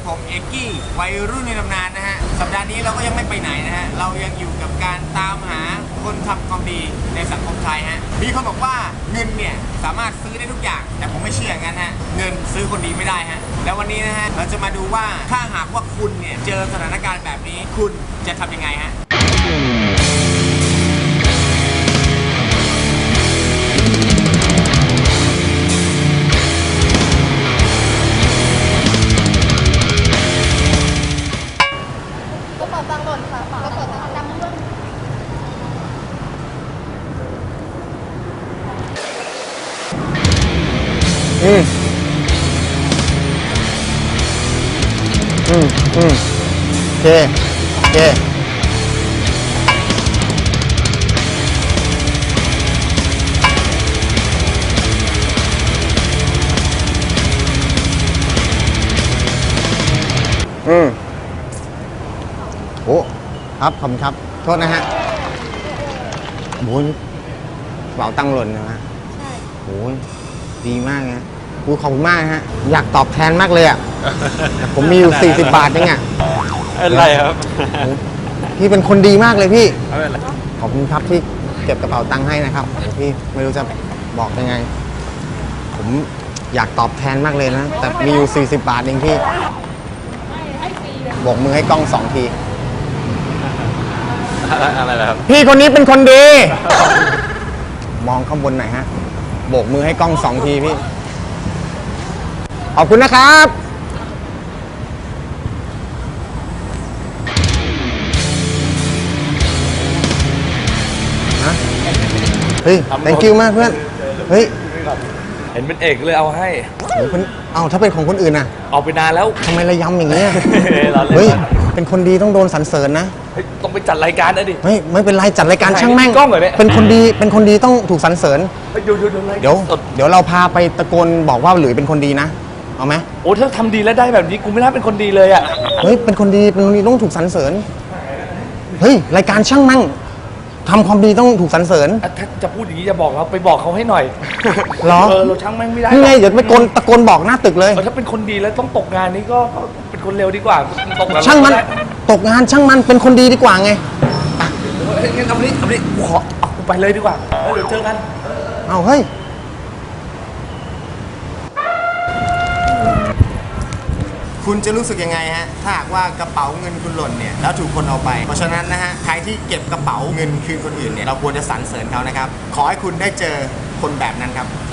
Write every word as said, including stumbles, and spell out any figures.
ผมเอกกี้วัยรุ่นในตำนานนะฮะสัปดาห์นี้เราก็ยังไม่ไปไหนนะฮะเรายังอยู่กับการตามหาคนทำความดีในสังคมไทยฮะมีคนบอกว่าเงินเนี่ยสามารถซื้อได้ทุกอย่างแต่ผมไม่เชื่องั้นฮะเงินซื้อคนดีไม่ได้ฮะแล้ววันนี้นะฮะเราจะมาดูว่าถ้าหากว่าคุณเนี่ยเจอสถานการณ์แบบนี้คุณจะทำยังไงฮะอืมอืมอืมโอเคโอเคอืมโอ้ครับขอบคุณครับโทษนะฮะโอ้ยกระเป๋าตังค์หล่นนะฮะใช่โอ้ยดีมากนะกูขอบคุณมากฮะอยากตอบแทนมากเลยอ่ะผมมีอยู่สี่สิบบาทเองอ่ะอะไรครับพี่เป็นคนดีมากเลยพี่ขอบคุณครับที่เก็บกระเป๋าตังค์ให้นะครับพี่ไม่รู้จะบอกยังไงผมอยากตอบแทนมากเลยนะแต่มีอยู่สี่สิบบาทเองพี่โบกมือให้กล้องสองทีอะไรครับพี่คนนี้เป็นคนดีมองข้างบนหน่อยฮะโบกมือให้กล้องสองทีพี่ขอบคุณนะครับเฮ้ย thank you มากเพื่อนเฮ้ยเห็นเป็นเอกเลยเอาให้เอาถ้าเป็นของคนอื่นน่ะเอาไปนานแล้วทำไมระยำอย่างเงี้ยเฮ้ยเป็นคนดีต้องโดนสรรเสริญนะต้องไปจัดรายการนะดิเฮ้ยไม่เป็นไรจัดรายการช่างแม่งเป็นคนดีเป็นคนดีต้องถูกสรรเสริญเดี๋ยวเดี๋ยวเดี๋ยวเราพาไปตะโกนบอกว่าหลุยเป็นคนดีนะเอาไหมโอ้ถ้าทำดีแล้วได้แบบนี้กูไม่น่าเป็นคนดีเลยอ่ะเฮ้ยเป็นคนดีเป็นคนดีต้องถูกสรรเสริญเฮ้ยรายการช่างแม่งทำความดีต้องถูกสรรเสริญถ้าจะพูดอย่างนี้จะบอกเราไปบอกเขาให้หน่อยหรอเออเราช่างแม่งไม่ได้นี่ไงเดี๋ยวไปโกนตะโกนบอกหน้าตึกเลยถ้าเป็นคนดีแล้วต้องตกงานนี่ก็เป็นคนเร็วดีกว่าตกงานช่างมันตกงานช่างมันเป็นคนดีดีกว่าไงงั้นเอาไปนี่เอาไปนี่กูขอเอากูไปเลยดีกว่าเดี๋ยวเจอกันเอาเฮ้ยคุณจะรู้สึกยังไงฮะถ้าหากว่ากระเป๋าเงินคุณหล่นเนี่ยแล้วถูกคนเอาไปเพราะฉะนั้นนะฮะใครที่เก็บกระเป๋าเงินคืนคนอื่นเนี่ยเราควรจะสรรเสริญเขานะครับขอให้คุณได้เจอคนแบบนั้นครับ